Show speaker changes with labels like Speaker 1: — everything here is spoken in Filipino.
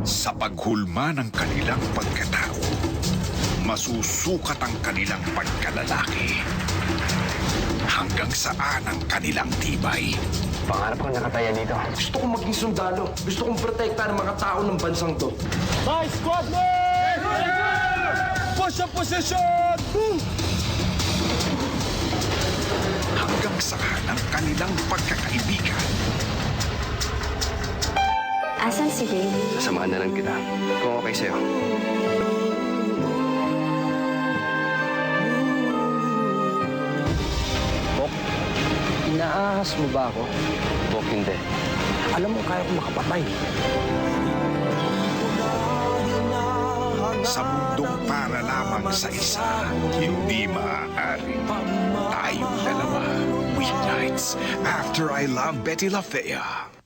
Speaker 1: Sa paghulma ng kanilang pagkatao, masusukat ang kanilang pagkalalaki. Hanggang saan ang kanilang tibay.
Speaker 2: Pangarap ko nakataya dito.
Speaker 3: Gusto kong maging sundalo. Gusto kong protektahan ang mga tao ng bansang to.
Speaker 4: Nice squad, man! Push up position!
Speaker 1: Hanggang saan ang kanilang pagkakaibigan.
Speaker 5: Asan si Dave?
Speaker 2: Sasamahan na lang kita. Kung okay sa'yo.
Speaker 3: Bok, inaahas mo ba ako?
Speaker 2: Bok, hindi.
Speaker 3: Alam mo, kaya ko makapatay.
Speaker 1: Sa mundong para lamang sa isa, hindi maaaring tayong dalawa. Weeknights, After I Love Betty La Fea.